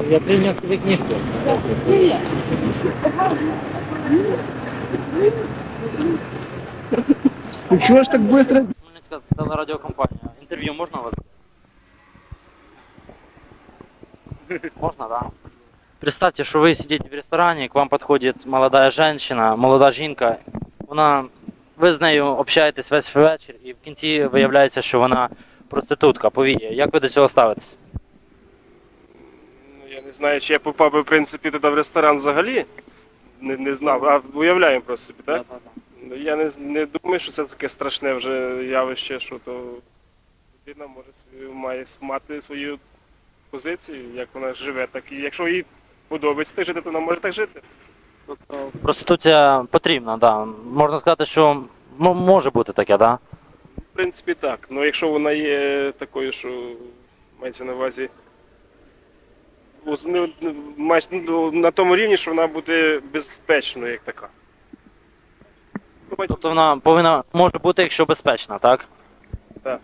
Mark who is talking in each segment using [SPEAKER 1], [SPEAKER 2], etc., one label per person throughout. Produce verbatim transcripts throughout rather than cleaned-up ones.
[SPEAKER 1] Я принял себе книжку.
[SPEAKER 2] Ну чего ж так быстро?
[SPEAKER 1] Хмельницька телерадіокомпанія. Інтерв'ю можна вас? Можно, да? Представьте, что вы сидите в ресторане, к вам подходит молодая женщина, молода жінка. Вона, ви з нею общаєтесь весь вечір і в кінці виявляється, що вона проститутка, повіє. Як ви до цього ставитесь?
[SPEAKER 3] Ну, я не знаю, чи я попав би, в принципі, туди в ресторан взагалі. Не, не знав, а уявляємо просто собі, так? Ну, я не, не думаю, що це таке страшне вже явище, що то людина може свою, має мати свою позицію, як вона живе, так і якщо їй подобається так жити, то вона може так жити.
[SPEAKER 1] Тобто проституція потрібна, да. Можна сказати, що м- може бути таке, да?
[SPEAKER 3] В принципі, так. Ну якщо вона є такою, що мається на увазі ну, з- ну, мається, ну, на тому рівні, що вона буде безпечною, як така. Ну, мається-
[SPEAKER 1] Тобто вона повинна, може бути, якщо безпечна, так?
[SPEAKER 3] Так.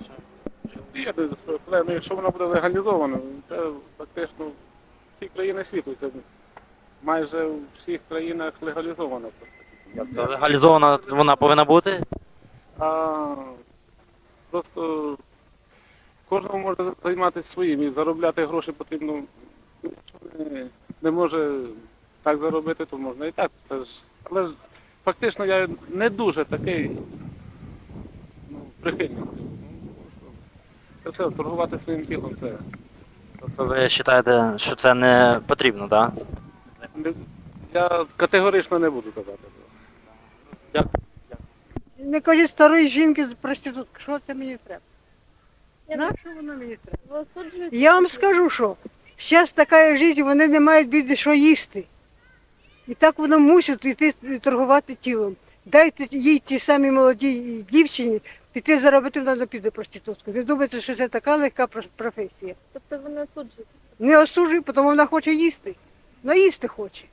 [SPEAKER 2] Є, але ну, якщо вона буде легалізована, це фактично всі країни світу. Це майже у всіх країнах легалізовано просто.
[SPEAKER 1] Це легалізована вона повинна бути?
[SPEAKER 2] А просто кожному може займатися своїм і заробляти гроші потрібно. Якщо не, не може так заробити, то можна і так. Це ж, але ж фактично я не дуже такий ну, прихильник цього. Це все, торгувати своїм тілом, це
[SPEAKER 1] Тобто ви вважаєте, що це не потрібно, так?
[SPEAKER 2] не- я категорично не буду казати.
[SPEAKER 1] Дякую.
[SPEAKER 4] Не кажіть старої жінки з проститутки, що це мені треба?
[SPEAKER 5] Я
[SPEAKER 4] На що воно мені треба?
[SPEAKER 5] Ви осуджуєте?
[SPEAKER 4] Я вам скажу, що зараз така життя, вони не мають біди, що їсти. І так воно мусить йти торгувати тілом. Дайте їй ті самі молодій дівчині піти заробити, вона не піде проститутку. Ви думаєте, що це така легка прос- професія?
[SPEAKER 5] Тобто ви не осуджуєте?
[SPEAKER 4] Не осуджуй, тому вона хоче їсти. Ну їсти хоче.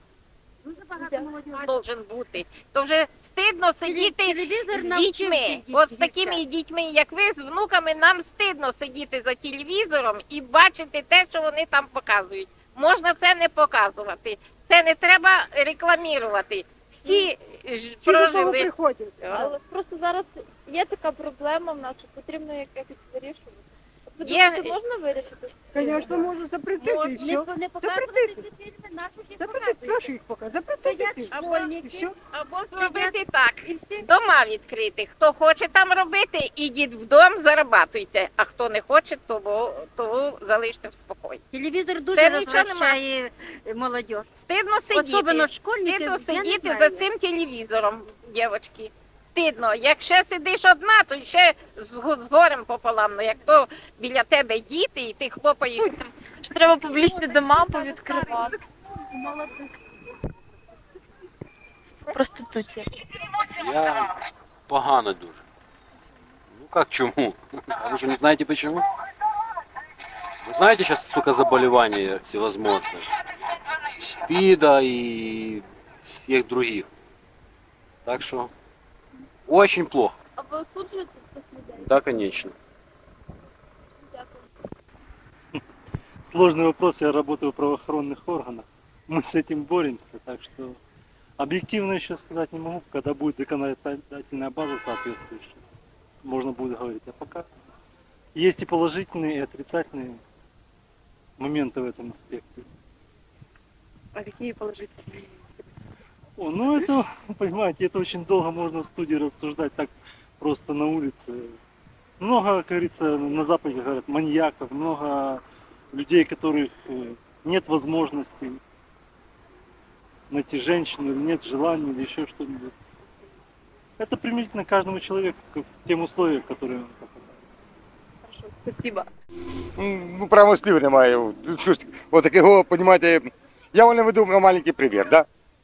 [SPEAKER 6] Должен бути. То вже стидно сидіти
[SPEAKER 5] Телевізор
[SPEAKER 6] з
[SPEAKER 5] навчив
[SPEAKER 6] дітьми.
[SPEAKER 5] всіх
[SPEAKER 6] От з
[SPEAKER 5] дітей.
[SPEAKER 6] такими дітьми, як ви, з внуками, нам стидно сидіти за телевізором і бачити те, що вони там показують. Можна це не показувати. Це не треба рекламувати. Всі ж
[SPEAKER 4] Ті, до того
[SPEAKER 6] прожили.
[SPEAKER 4] приходять.
[SPEAKER 5] Але просто зараз є така проблема в нас, що потрібно як- якось вирішувати. От ви
[SPEAKER 6] Є-
[SPEAKER 5] думаєте, можна вирішити?
[SPEAKER 4] Звісно, можна запретити і все.
[SPEAKER 5] Не
[SPEAKER 4] показувати ці Запретити, нашу їх показати. Запретити.
[SPEAKER 6] Або,
[SPEAKER 4] І все.
[SPEAKER 6] або зробити так.
[SPEAKER 5] І всі
[SPEAKER 6] Дома відкрити. Хто хоче там робити, ідіть вдома, зарабатуйте. А хто не хоче, того, того залиште в спокої.
[SPEAKER 7] Телевізор дуже
[SPEAKER 6] Це нічого
[SPEAKER 7] розвращає молодь.
[SPEAKER 6] Стидно сидіти.
[SPEAKER 7] Особливо школьники,
[SPEAKER 6] Стидно
[SPEAKER 7] я не
[SPEAKER 6] сидіти
[SPEAKER 7] знаю.
[SPEAKER 6] за цим телевізором, дівчатки. Стидно. Як ще сидиш одна, то ще з, го- з горем пополам. Ну, як то біля тебе діти, і ти хлопаєш.
[SPEAKER 5] ж треба публічні дома повідкривати. Проституція.
[SPEAKER 8] Я погано дуже. Ну как чему? А вы что, не знаете почему? Вы знаете сейчас, сука, заболевания всевозможные? СПИДа и всех других. Так что очень плохо.
[SPEAKER 5] А ви осуджуєте цих людей?
[SPEAKER 8] Да, конечно.
[SPEAKER 5] Дякую.
[SPEAKER 9] Сложный вопрос, я работаю в правоохранных органах. Мы с этим боремся, так что объективно еще сказать не могу, когда будет законодательная база соответствующая, можно будет говорить. А пока есть и положительные, и отрицательные моменты в этом аспекте.
[SPEAKER 4] А які положительні?
[SPEAKER 9] О, ну это, понимаете, это очень долго можно в студии рассуждать, так просто на улице. Много, как говорится, на Западе говорят, маньяков, много людей, которых э, нет возможности найти женщину, или нет желания, или еще что-нибудь. Это применительно к каждому человеку, к тем условиям, в которые он попадает.
[SPEAKER 5] Хорошо, спасибо.
[SPEAKER 10] Ну, прямо слів немає. Щось, от такого, розумієте, я вам веду маленький привір, да?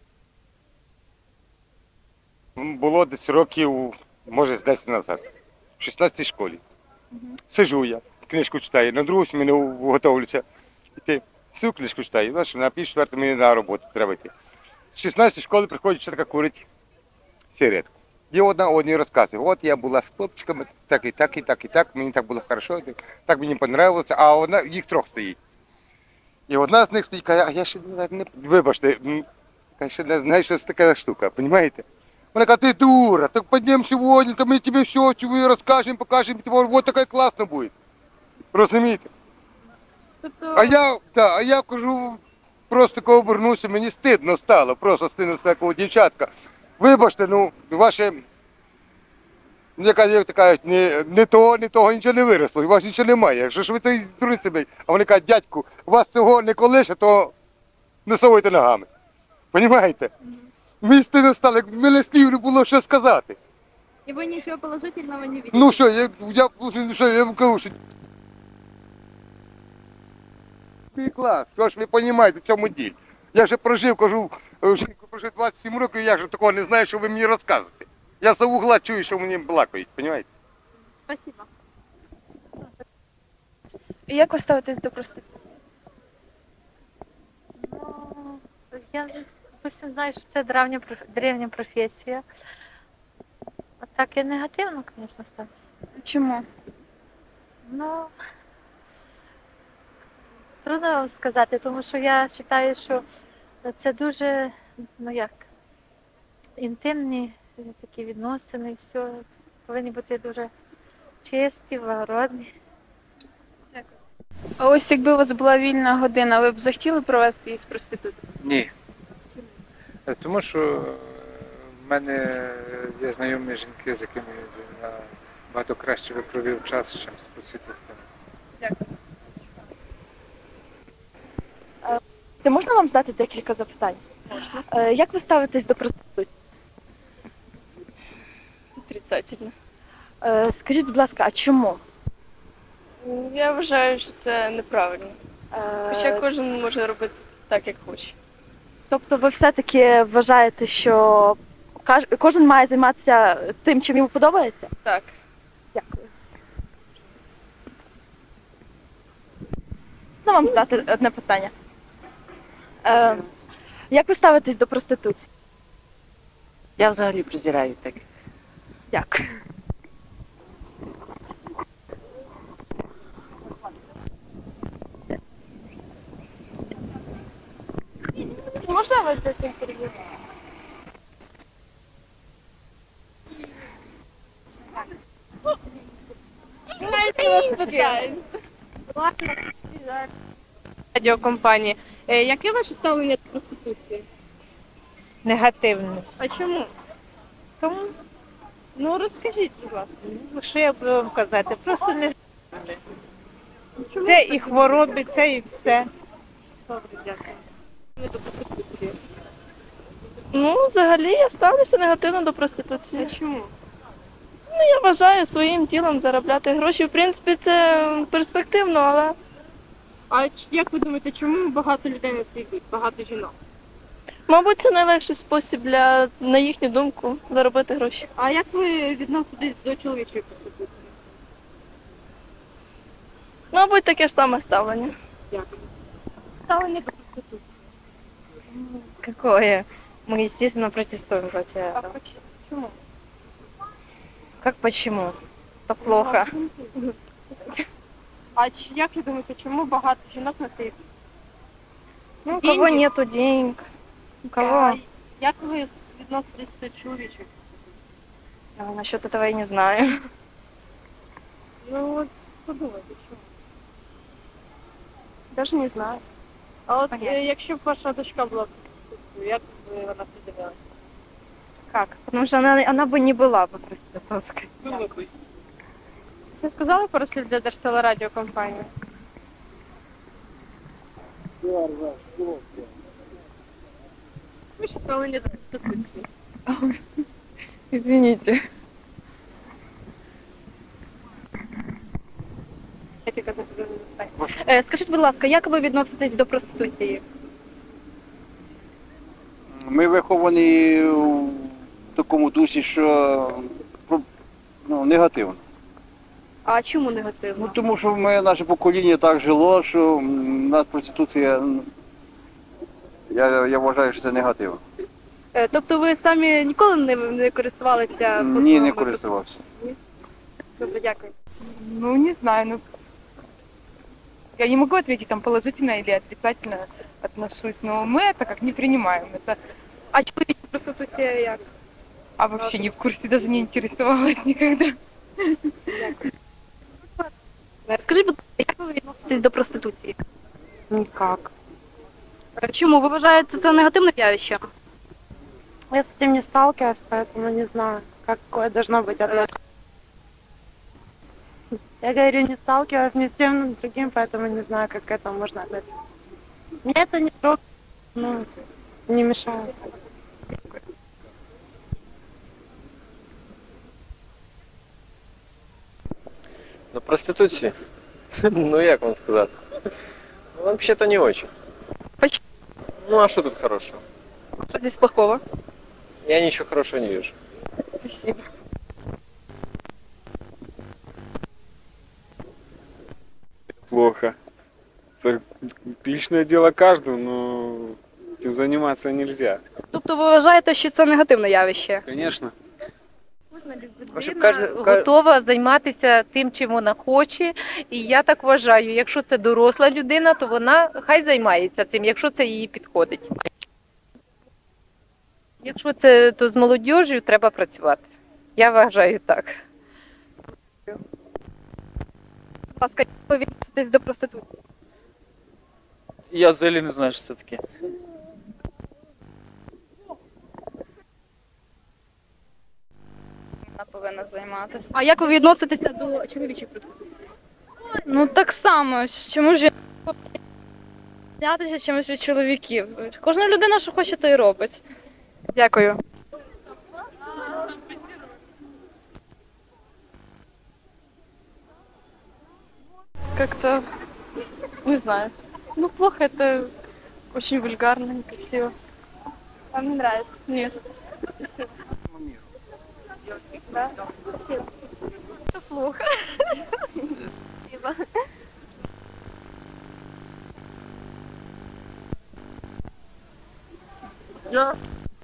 [SPEAKER 10] Було десь років, може, з десять назад, в шістнадцятій школі. Сижу я, книжку читаю, на другу зміну готовлюся. Іти, всю книжку читаю, знаєш, на пів четвертої мені на роботу треба йти. З шістнадцятої школи приходить вчителька курить сигаретку. І одна одній розказує, от я була з хлопчиками, так і так, і так, і так, мені так було хорошо, так мені подобалося, а одна, їх трьох стоїть. І одна з них стоїть, каже, а я ще не, не вибачте, м, я ще не знаю, що це така штука, розумієте? Вона каже, ти дура, так підемо сьогодні, то ми тобі все розкажемо, покажемо, от таке класно буде. Розумієте?
[SPEAKER 5] Тобто,
[SPEAKER 10] А я, да, а я кажу, просто коли обернувся, мені стидно стало, просто стидно стало, коли дівчатка. Вибачте, ну, ваше, яка, як то кажуть, не, не того, не того нічого не виросло, і у вас нічого немає. Якщо ж ви цей дурниці, блядь, а вони кажуть, дядьку, у вас цього не колише, то не совуйте ногами. Понімаєте? Мені стидно стало, як мене слів не було що сказати.
[SPEAKER 5] і ви нічого положительного не бачите?
[SPEAKER 10] Ну що, я, я, ну, що, я вам кажу, що... Мій клас, що ж ви розумієте в цьому ділі? Я вже прожив, кажу, вже прожив двадцять сім років, я вже такого не знаю, що ви мені розказуєте. Я за угла чую, що мені балакають, розумієте?
[SPEAKER 5] Спасибо.
[SPEAKER 11] Як ви ставитесь до проституції?
[SPEAKER 7] Ну, я, допустим, знаю, що це древня, проф- древня професія. А так і негативно, звісно, ставиться.
[SPEAKER 11] Чому?
[SPEAKER 7] Ну, трудно вам сказати, тому що я вважаю, що це дуже, ну як, інтимні е, такі відносини, все повинні бути дуже чисті, благородні.
[SPEAKER 11] А ось якби у вас була вільна година, ви б захотіли провести її з проституткою?
[SPEAKER 12] Ні. Е, Тому що е, в мене є знайомі жінки, з якими я набагато краще би провів час, ніж з проститутками.
[SPEAKER 11] Ти можна вам задати декілька запитань? Можна. Як ви ставитесь до проституції? Отрицательно. Е, Скажіть, будь ласка, а чому?
[SPEAKER 13] Я вважаю, що це неправильно.
[SPEAKER 11] Е,
[SPEAKER 13] Хоча кожен може робити так, як хоче.
[SPEAKER 11] Тобто ви все-таки вважаєте, що каж- кожен має займатися тим, чим йому подобається?
[SPEAKER 13] Так.
[SPEAKER 11] Дякую. Ну, вам задати одне питання. Е, Як ви ставитесь до проституції?
[SPEAKER 14] Я взагалі презираю так.
[SPEAKER 11] Дякую. Можна ви дати інтерв'ю?
[SPEAKER 13] Радіокомпанії. Яке ваше ставлення до проституції?
[SPEAKER 14] Негативно.
[SPEAKER 13] А чому?
[SPEAKER 14] Тому,
[SPEAKER 13] Ну розкажіть, будь ласка.
[SPEAKER 14] ну, що я буду вам казати, просто не це і хвороби, це і все.
[SPEAKER 13] Добре, дякую. Не до проституції.
[SPEAKER 11] Ну, взагалі я ставлюся негативно до проституції.
[SPEAKER 13] А чому?
[SPEAKER 11] Ну, я вважаю своїм тілом заробляти гроші. В принципі, це перспективно, але
[SPEAKER 13] А ч- як ви думаєте, чому багато людей на це йдуть? Багато жінок?
[SPEAKER 11] мабуть, це найлегший спосіб для, на їхню думку, заробити гроші.
[SPEAKER 13] А як ви відноситесь до чоловічої проституції?
[SPEAKER 11] Мабуть, таке ж саме ставлення.
[SPEAKER 13] Дякую. Ставлення до проституції.
[SPEAKER 14] Какое? Мы, естественно, протестуем против
[SPEAKER 13] А
[SPEAKER 14] этого.
[SPEAKER 13] поч- чому?
[SPEAKER 14] Как почему? Это плохо.
[SPEAKER 13] А ч- як ви думаєте, чому багато жінок на це йдуть?
[SPEAKER 14] Ну, у
[SPEAKER 13] Деньги?
[SPEAKER 14] кого нету денег, у
[SPEAKER 13] А
[SPEAKER 14] кого...
[SPEAKER 13] як ви відноситесь до чоловічої?
[SPEAKER 14] А, насчет этого я не знаю.
[SPEAKER 13] Ну от подумайте, чому.
[SPEAKER 11] Даже не знаю.
[SPEAKER 13] А от
[SPEAKER 14] Понятно.
[SPEAKER 13] е, якщо б ваша дочка була проституткою, як би вона придивилася?
[SPEAKER 14] Как? Потому что она, она бы не была бы проституткой.
[SPEAKER 13] Ви сказали пару слів для Держтелерадіокомпанії? Ваше ставлення до проституції.
[SPEAKER 14] Извините.
[SPEAKER 13] Як яка запитання?
[SPEAKER 11] Е, Скажіть, будь ласка, як ви відноситесь до проституції?
[SPEAKER 8] Ми виховані в такому дусі, що ну, негативно.
[SPEAKER 11] А чому негативно?
[SPEAKER 8] Ну, тому що ми, наше покоління так жило, що м, нас проституція, м, я, я вважаю, що це негативно.
[SPEAKER 11] Е, Тобто ви самі ніколи не, не користувалися
[SPEAKER 8] Ні,
[SPEAKER 11] послугами
[SPEAKER 8] не користувався.
[SPEAKER 11] проституції? Добре, дякую.
[SPEAKER 14] Ну, не знаю, ну,
[SPEAKER 13] Я не могу ответить там положительно или отрицательно отношусь, но мы это как не принимаем. Это...
[SPEAKER 11] А чоловічі проституція як?
[SPEAKER 13] А вообще не в курсе, даже не интересовалась никогда.
[SPEAKER 11] Скажіть, будь ласка, як ви відноситесь до проституції?
[SPEAKER 13] Никак.
[SPEAKER 11] Чому? Ви вважаєте це негативне явище?
[SPEAKER 13] Я с этим не сталкивалась, поэтому не знаю, какое должно быть отношение. Я говорю, не сталкивалась ни с тем, ни с другим, поэтому не знаю, как к этому можно относиться. Мне это не трогает, ну, не мешает.
[SPEAKER 15] На проституции? Ну, як вам сказать? Ну, вообще-то не очень.
[SPEAKER 11] Почему?
[SPEAKER 15] Ну, а что тут хорошего?
[SPEAKER 11] Що здесь плохого?
[SPEAKER 15] Я ничего хорошего не вижу.
[SPEAKER 11] Спасибо.
[SPEAKER 2] Плохо. Это личное дело каждого, но этим заниматься нельзя.
[SPEAKER 11] Тобто ви вважаєте, що це негативне явище?
[SPEAKER 2] Конечно.
[SPEAKER 7] Людина готова займатися тим, чим вона хоче. І я так вважаю, якщо це доросла людина, то вона хай займається цим, якщо це їй підходить. Якщо це то з молодіжю, треба працювати. Я вважаю так.
[SPEAKER 11] Будь ласка, як ви відноситесь до проституції?
[SPEAKER 1] Я взагалі не знаю, що це таке.
[SPEAKER 11] Вона повинна займатися. А як ви відноситеся до чоловічої проституції?
[SPEAKER 13] Ну так само, чому ж знятися чимось від чоловіків? Кожна людина, що хоче, то й робить.
[SPEAKER 11] Дякую.
[SPEAKER 13] Как-то, не знаю. Ну, плохо, это очень вульгарно, некрасиво. Вам не нравится? Нет. Спасибо. Да? Спасибо. Это плохо. Спасибо.
[SPEAKER 3] Я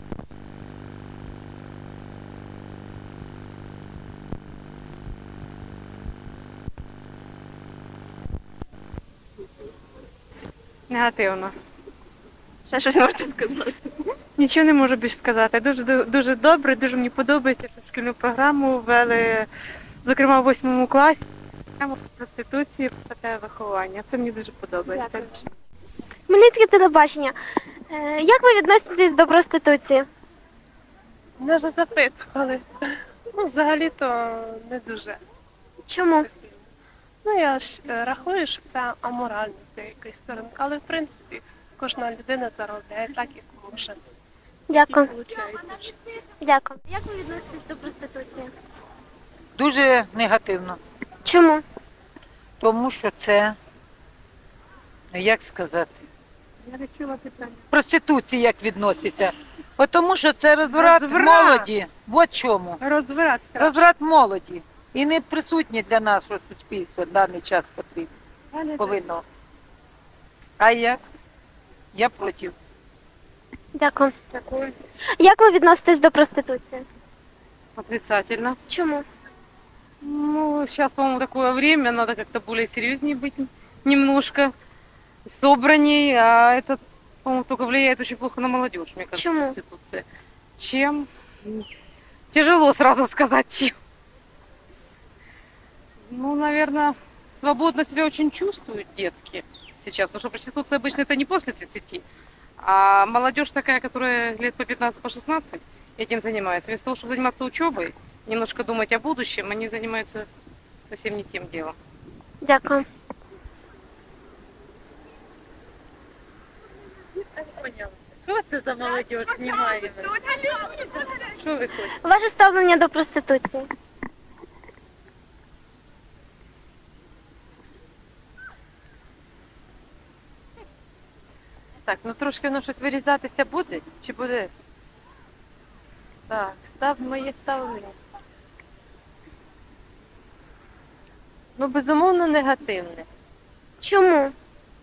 [SPEAKER 14] Негативно.
[SPEAKER 11] Ще щось можете сказати?
[SPEAKER 14] Нічого не можу більше сказати. Дуже дуже добре, дуже мені подобається, що шкільну програму ввели, зокрема в восьмому класі. Тему проституції, таке виховання. Це мені дуже подобається.
[SPEAKER 11] Хмельницьке телебачення. Е, Як ви відноситесь до проституції?
[SPEAKER 14] Мене вже запитували. Ну, взагалі-то не дуже.
[SPEAKER 11] Чому?
[SPEAKER 13] Ну, я ж е, рахую, що це аморально з деякої сторони, але в принципі кожна людина заробляє так, як може.
[SPEAKER 11] Дякую.
[SPEAKER 13] Виходить в житті.
[SPEAKER 11] Дякую. Як ви відноситесь до проституції?
[SPEAKER 14] Дуже негативно.
[SPEAKER 11] Чому?
[SPEAKER 14] Тому що це, як сказати,
[SPEAKER 4] Я не чула питання.
[SPEAKER 14] проституція як відноситься. Тому що це розврат,
[SPEAKER 13] Розврат.
[SPEAKER 14] молоді. От чому.
[SPEAKER 13] Розврат.
[SPEAKER 14] Розврат молоді. І не присутні для нашого суспільства в даний час потрібно. Повинно. А як? Я проти.
[SPEAKER 11] Дякую. Дякую. Як ви відноситесь до проституції?
[SPEAKER 14] Отрицательно.
[SPEAKER 11] Чому?
[SPEAKER 14] Ну, сейчас, по-моему, такое время, надо как-то более серьезнее быть немножко, собранней, а это, по-моему, только влияет очень плохо на молодежь, мне кажется,
[SPEAKER 11] Почему?
[SPEAKER 14] проституция. Чем? Тяжело сразу сказать, чем. Ну, наверное, свободно себя очень чувствуют детки сейчас, потому что проституция обычно это не после тридцати, а молодежь такая, которая лет по пятнадцать, по шестнадцать этим занимается. Вместо того, чтобы заниматься учебой, немножко думать о будущем, они занимаются совсем не тем делом.
[SPEAKER 11] Дякую.
[SPEAKER 14] Що це за молодежь знімає? Що ви хочете?
[SPEAKER 11] Ваше ставлення до проституції?
[SPEAKER 14] Так, ну трошки воно щось вирізатися буде? Чи буде? Так, став моє ставлення. Ну, безумовно, негативне.
[SPEAKER 11] Чому?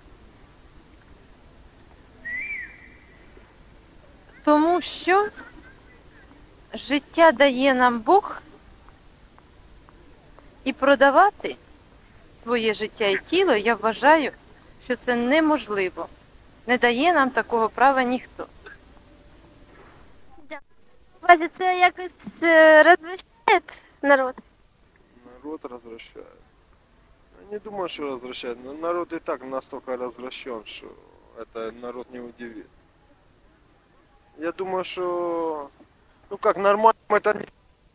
[SPEAKER 14] Тому що життя дає нам Бог і продавати
[SPEAKER 16] своє життя і тіло, я вважаю, що це неможливо. Не дає нам такого права ніхто.
[SPEAKER 17] Вася, це якось е, розвищає народ?
[SPEAKER 3] Народ развращает. Я не думаю, что развращает. Но народ и так настолько развращен, что это народ не удивит. Я думаю, что, ну как, нормально это не...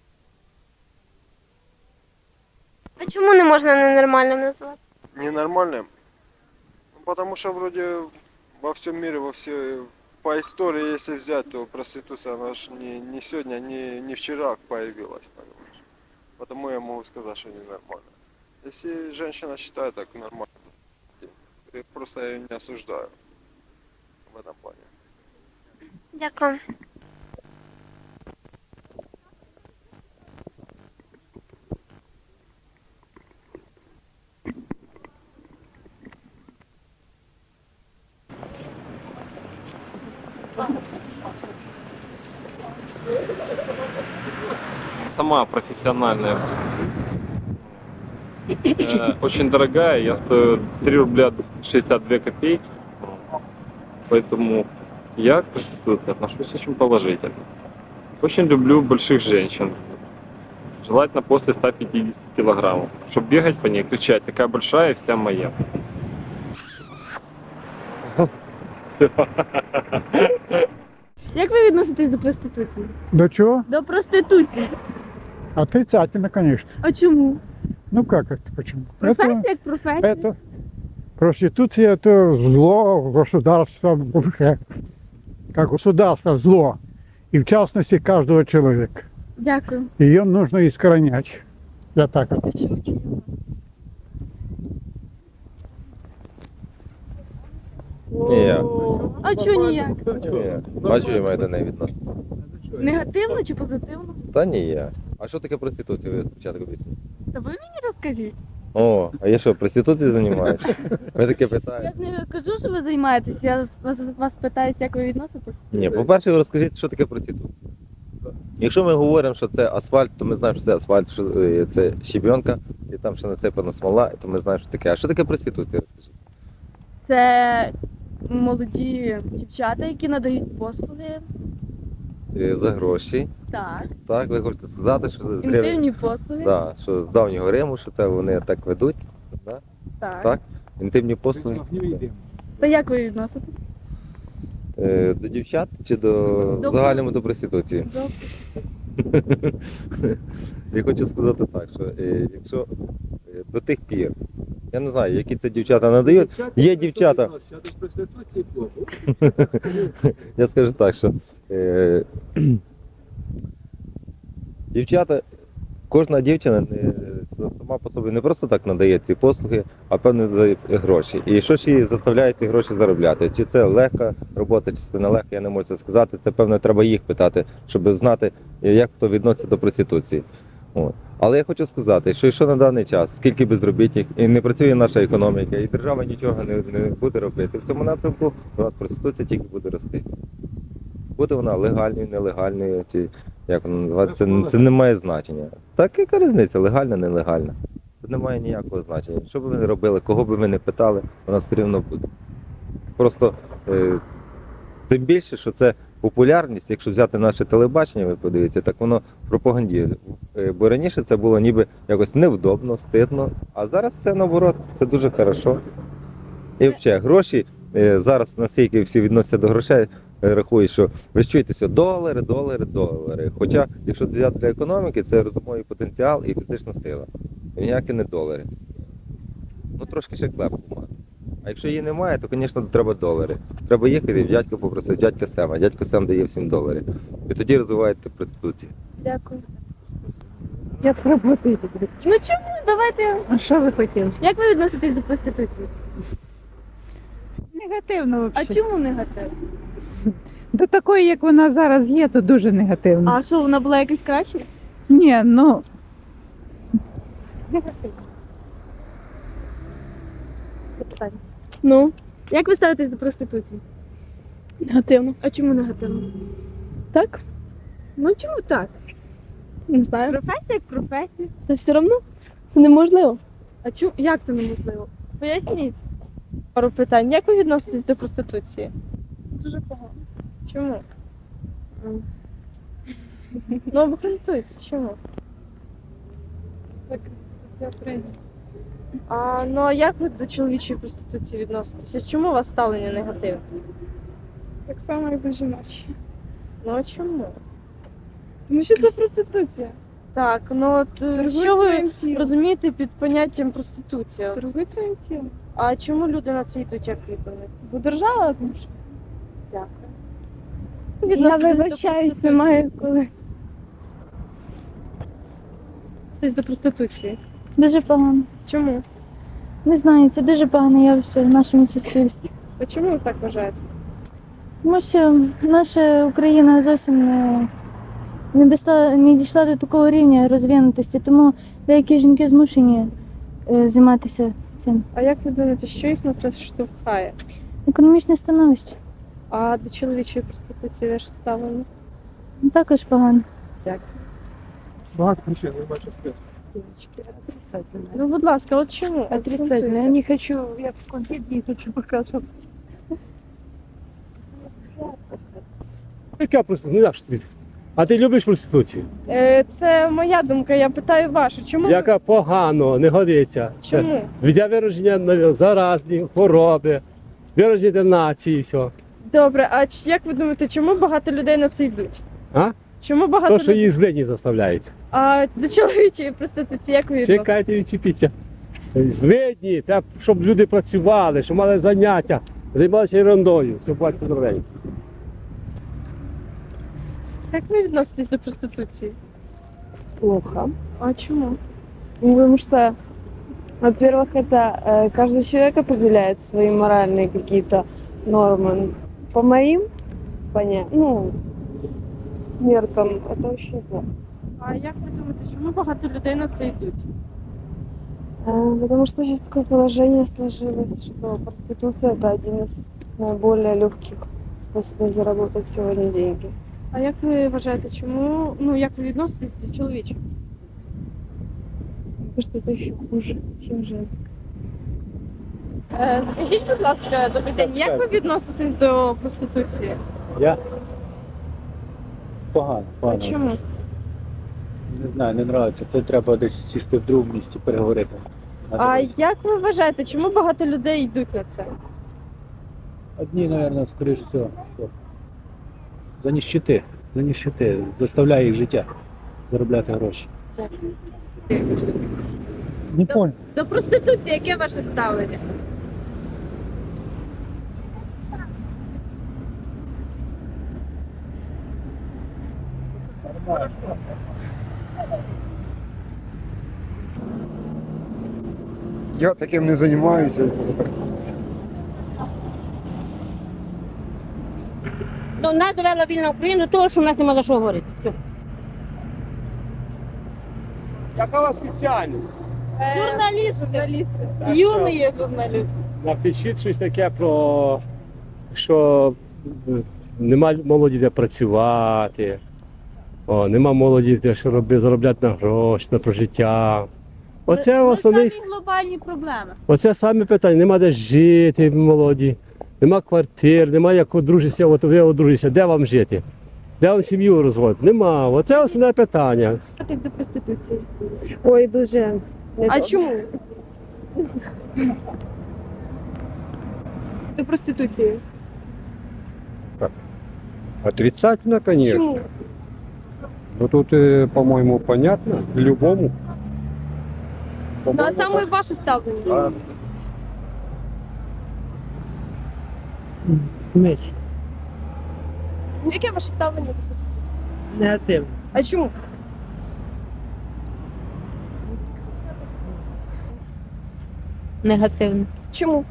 [SPEAKER 17] А чому не можна ненормальним назвати?
[SPEAKER 3] ненормальным. Ну, потому что вроде во всем мире, во все, по истории, если взять, то проституция, она же не, не сегодня, не, не вчера появилась, понимаешь. Потому я могу сказать, что ненормально. Если женщина считает так нормально, я просто ее не осуждаю в этом плане.
[SPEAKER 17] Дякую.
[SPEAKER 18] Сама профессиональная. Э, Очень дорогая, я стою три рубля шестьдесят две копейки. Поэтому я к проституции отношусь очень положительно. Очень люблю больших женщин. Желательно после ста пятидесяти килограммов. Чтобы бегать по ней, кричать, такая большая и вся моя.
[SPEAKER 11] Як ви відноситесь до проституції?
[SPEAKER 19] До чего?
[SPEAKER 11] До проституції.
[SPEAKER 19] Отрицательно, конечно.
[SPEAKER 11] А чому?
[SPEAKER 19] Ну как это почему?
[SPEAKER 11] Професія як професія.
[SPEAKER 19] Это проституция это зло государства вообще. Как государство зло. И в частности каждого человека.
[SPEAKER 11] Дякую.
[SPEAKER 19] Ее нужно искоренять. Я так.
[SPEAKER 15] Ніяк.
[SPEAKER 11] А чого ніяк?
[SPEAKER 15] Ніяк. Бачу, я маю до неї відноситься.
[SPEAKER 11] Негативно чи позитивно?
[SPEAKER 15] Та ніяк. А що таке проституція, ви спочатку об'ясніть?
[SPEAKER 11] Та ви мені розкажіть.
[SPEAKER 15] О, а я що, проституцією займаюся? Ви таке питаєте?
[SPEAKER 11] Я ж не кажу, що ви займаєтесь, я вас, вас питаюсь, як ви відноситесь.
[SPEAKER 15] Ні, по-перше, ви розкажіть, що таке проституція. Якщо ми говоримо, що це асфальт, то ми знаємо, що це асфальт, що е, це щебенка, і там ще насипана смола, то ми знаємо, що таке. А що таке проституція, розкажіть?
[SPEAKER 11] Це молоді дівчата, які надають послуги.
[SPEAKER 15] Е, За гроші.
[SPEAKER 11] Так.
[SPEAKER 15] Так, ви хочете сказати, що з
[SPEAKER 11] Інтимні послуги.
[SPEAKER 15] Да, що з давнього Риму, що це вони так ведуть. Да?
[SPEAKER 11] Так.
[SPEAKER 15] Так? Інтимні послуги.
[SPEAKER 11] То як ви відноситесь?
[SPEAKER 15] Е, До дівчат чи до,
[SPEAKER 11] До
[SPEAKER 15] в загальному до проституції?
[SPEAKER 11] До...
[SPEAKER 15] Я хочу сказати так, що е, якщо е, до тих пір, я не знаю, які це дівчата надають, є дівчата. Я скажу так, що е, дівчата, кожна дівчина не, сама по собі не просто так надає ці послуги, а певно за гроші. І що ж її заставляє ці гроші заробляти? Чи це легка робота, чи це не легка, я не можу це сказати. Це, певно, треба їх питати, щоб знати, як хто відноситься до проституції. От. Але я хочу сказати, що якщо на даний час, скільки безробітних, і не працює наша економіка, і держава нічого не, не буде робити, в цьому напрямку у нас проституція тільки буде рости. Буде вона легальною, нелегальною, чи як вона називається, це, це не має значення. Так яка різниця, легальна, нелегальна. Це не має ніякого значення. Що б ви не робили, кого б ви не питали, вона все рівно буде. Просто е, тим більше, що це популярність, якщо взяти наше телебачення, ви подивіться, так воно пропагандує. Е, Бо раніше це було ніби якось невдобно, стидно, а зараз це наоборот, це дуже хорошо. І взагалі, гроші е, зараз настільки всі відносяться до грошей, рахують, що ви ж чуєте все, долари, долари, долари. Хоча, якщо взяти для економіки, це розумовий потенціал і фізична сила. Ніякі не долари. Ну трошки ще клепку мати. А якщо її немає, то, звісно, треба долари. Треба їхати в дядька попросити, дядька Сема. Дядько Сем дає всім доларів. І тоді розвиваєте проституцію.
[SPEAKER 11] Дякую.
[SPEAKER 20] Я з роботи йду.
[SPEAKER 11] Ну чому? Давайте.
[SPEAKER 20] А що ви хотіли?
[SPEAKER 11] Як ви відноситесь до проституції?
[SPEAKER 20] Негативно
[SPEAKER 11] А
[SPEAKER 20] взагалі.
[SPEAKER 11] чому негативно?
[SPEAKER 20] До такої, як вона зараз є, то дуже негативно.
[SPEAKER 11] А що, вона була якась краще?
[SPEAKER 20] Ні, ну.
[SPEAKER 11] Негативно. Ну, як ви ставитесь до проституції? Негативно. А чому негативно? Так. Ну чому так? Не знаю. Професія як професія. Та все одно це неможливо. А чу... як це неможливо? Поясніть. Пару питань. Як ви відноситесь до проституції? Дуже погано. Чому? Ну, обґрунтуйте, чому? Це прийнято. А, ну а як ви до чоловічої проституції відноситеся? Чому у вас ставлення негативне? Так само, як до жіночої. Ну а чому? Тому що це проституція. Так, ну от е, що ви розумієте під поняттям проституція? Торгують своїм тілом. А чому люди на це йдуть, як ви думаєте? Бо держава, тому що. Дякую.
[SPEAKER 17] Я вибачаюсь, немає коли.
[SPEAKER 11] Відноситесь до проституції.
[SPEAKER 17] Дуже погано.
[SPEAKER 11] Чому?
[SPEAKER 17] Не знаю, це дуже погане явище в нашому суспільстві.
[SPEAKER 11] А чому ви так вважаєте?
[SPEAKER 17] Тому що наша Україна зовсім не, не, дійшла, не дійшла до такого рівня розвинутості, тому деякі жінки змушені е, займатися цим.
[SPEAKER 11] А як ви думаєте, що їх на це штовхає?
[SPEAKER 17] Економічне становище.
[SPEAKER 11] А до чоловічої проституції ваше ставлення?
[SPEAKER 17] Ну, також погано.
[SPEAKER 11] Дякую.
[SPEAKER 2] Багато причин, не бачу списку.
[SPEAKER 11] Ну, будь ласка, от чому?
[SPEAKER 4] Отрицательно. Я не хочу, я в конфет не хочу показывать.
[SPEAKER 21] Яка проституція? Ну як ж тобі? А ти любиш проституцію?
[SPEAKER 11] Е, це моя думка, я питаю вашу. Чому? ви-
[SPEAKER 21] Яка погано, не годиться.
[SPEAKER 11] Чому?
[SPEAKER 21] Віддя вираження на заразні, хвороби, вираження нації, все.
[SPEAKER 11] Добре, а ч- як ви думаєте, чому багато людей на це йдуть?
[SPEAKER 21] А?
[SPEAKER 11] Чому багато
[SPEAKER 21] То, що
[SPEAKER 11] людей?
[SPEAKER 21] її злидні заставляють.
[SPEAKER 11] А до чоловічої проституції як ви відноситесь?
[SPEAKER 21] Чекайте, відчепіться. Злидні, треба, щоб люди працювали, щоб мали заняття, займалися ерундою, щоб бачити здоровенько.
[SPEAKER 11] Як ви відноситесь до проституції?
[SPEAKER 13] Плохо.
[SPEAKER 11] А чому?
[SPEAKER 13] Ну, потому что, во-первых, это э, каждый человек определяет свои моральные какие-то нормы. По моим поня... ну, меркам это очень плохо.
[SPEAKER 11] А як ви думаєте, чому багато людей на це йдуть?
[SPEAKER 13] Э, потому что сейчас такое положение сложилось, что проституция это один из наиболее легких способов заработать сегодня деньги.
[SPEAKER 11] А як ви вважаєте, чому, ну як ви відноситесь до чоловічої?
[SPEAKER 13] Потому что это еще хуже, чем женское.
[SPEAKER 11] Е, скажіть, будь ласка, добрий день, як ви відноситесь до проституції?
[SPEAKER 22] Я? Погано,
[SPEAKER 11] А
[SPEAKER 22] погано.
[SPEAKER 11] чому?
[SPEAKER 22] Не знаю, не подобається. Це треба десь сісти в другому місці, переговорити.
[SPEAKER 11] А як ви вважаєте, чому багато людей йдуть на це?
[SPEAKER 22] Одні, мабуть, скоріше всього, що за ніщити, за ніщити, заставляє їх життя заробляти гроші. Не понял.
[SPEAKER 11] До проституції яке ваше ставлення?
[SPEAKER 10] Я таким не займаюся.
[SPEAKER 23] До нас довела вільна Україна до того, що в нас нема за що говорити. Все.
[SPEAKER 21] Яка у вас спеціальність?
[SPEAKER 11] Журналіст, журналіст.
[SPEAKER 21] А
[SPEAKER 11] Юний
[SPEAKER 21] що?
[SPEAKER 11] є журналіст.
[SPEAKER 21] Напишіть щось таке про що нема молоді де працювати, о, нема молоді де що робити, заробляти на гроші, на прожиття. Оце основний,
[SPEAKER 11] глобальні проблеми.
[SPEAKER 21] оце саме питання. Нема де жити молоді, нема квартир, нема як одружитися, от ви одружитеся, де вам жити? Де вам сім'ю розводити? Нема. Оце основне питання.
[SPEAKER 11] Відноситесь до проституції.
[SPEAKER 13] Ой, дуже.
[SPEAKER 11] А чому? До проституції.
[SPEAKER 24] Отрицательно, конечно.
[SPEAKER 11] Чому?
[SPEAKER 24] Ну тут, э, по-моему, понятно, любому.
[SPEAKER 11] Ну, а саме ваше ставлення.
[SPEAKER 21] Смесь.
[SPEAKER 11] Яке ваше ставлення до проституції?
[SPEAKER 21] Негативно.
[SPEAKER 11] А чому?
[SPEAKER 25] Негативно.
[SPEAKER 11] Чому?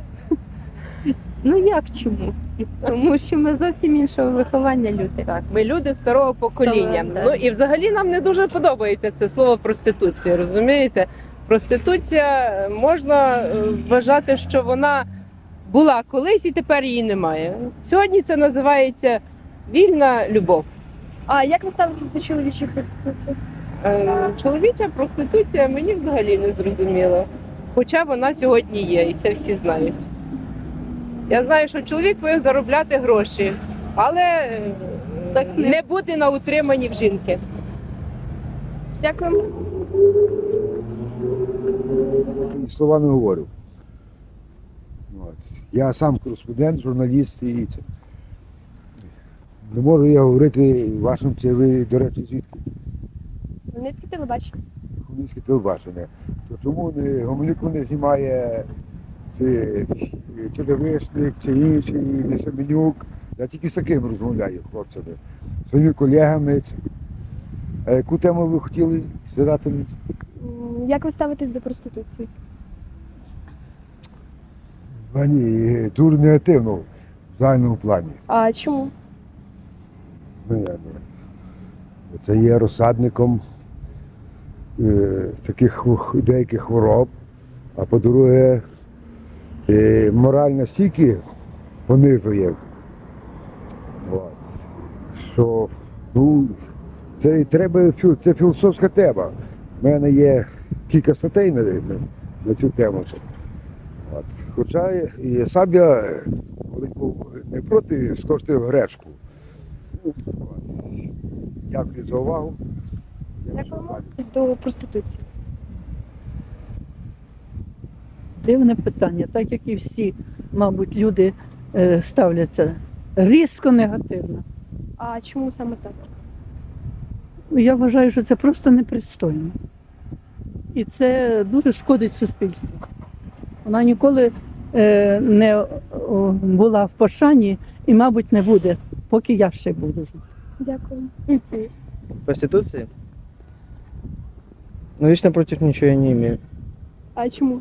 [SPEAKER 25] Ну як чому? Тому що ми зовсім іншого виховання люди.
[SPEAKER 26] Так, ми люди старого покоління.
[SPEAKER 25] Старого,
[SPEAKER 26] Ну
[SPEAKER 25] так.
[SPEAKER 26] і взагалі нам не дуже подобається це слово проституція, розумієте? Проституція е, можна е, вважати, що вона була колись і тепер її немає. Сьогодні це називається вільна любов.
[SPEAKER 11] А як ви ставитесь до чоловічої проституції?
[SPEAKER 26] Е, Чоловіча проституція мені взагалі не зрозуміло. Хоча вона сьогодні є, і це всі знають. Я знаю, що чоловік повинен заробляти гроші, але е,
[SPEAKER 11] Так не-
[SPEAKER 26] не бути на утриманні в жінки.
[SPEAKER 11] Дякую.
[SPEAKER 5] І слова не говорю. От. Я сам кореспондент, журналіст і це. Не можу я говорити вашим, це ви, до речі, звідки?
[SPEAKER 11] Хмельницьке телебачення.
[SPEAKER 5] Хмельницьке телебачення. То чому не Гомелюку не знімає чи Черевишник, чи інший, не Семенюк? Я тільки з таким розмовляю, хлопцями. З своїми колегами. Це. А яку тему ви хотіли задати мені?
[SPEAKER 11] М, Як ви ставитесь до проституції?
[SPEAKER 5] А ні, дуже негативно в загальному плані.
[SPEAKER 11] А чому?
[SPEAKER 5] Ну, я не- Це є розсадником е, таких хво- деяких хвороб, а по-друге, е, мораль настільки понижує, от, що ну, це і треба, фі- це філософська тема. У мене є кілька статей на, на, на цю тему. От. Хоча і сам я е, коли був не проти скоштив гречку. От. Дякую за увагу.
[SPEAKER 11] Дякуємо. До проституції.
[SPEAKER 20] Дивне питання, так як і всі, мабуть, люди е, ставляться різко негативно.
[SPEAKER 11] А чому саме так?
[SPEAKER 20] Я вважаю, що це просто непристойно. І це дуже шкодить суспільству. Вона ніколи е, не о, була в пошані і, мабуть, не буде, поки я ще буду жити.
[SPEAKER 11] Дякую.
[SPEAKER 1] Проституции? Ну, лично против ничего я не имею.
[SPEAKER 11] А чому?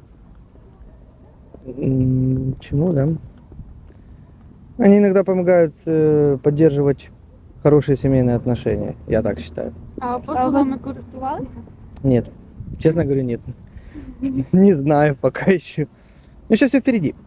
[SPEAKER 1] М, Чему, да? Они иногда помогают э, поддерживать хорошие семейные отношения, я так считаю.
[SPEAKER 11] А послугами користувалися?
[SPEAKER 1] Нет, честно говоря, нет. Не знаю пока еще. Ну, еще все впереди.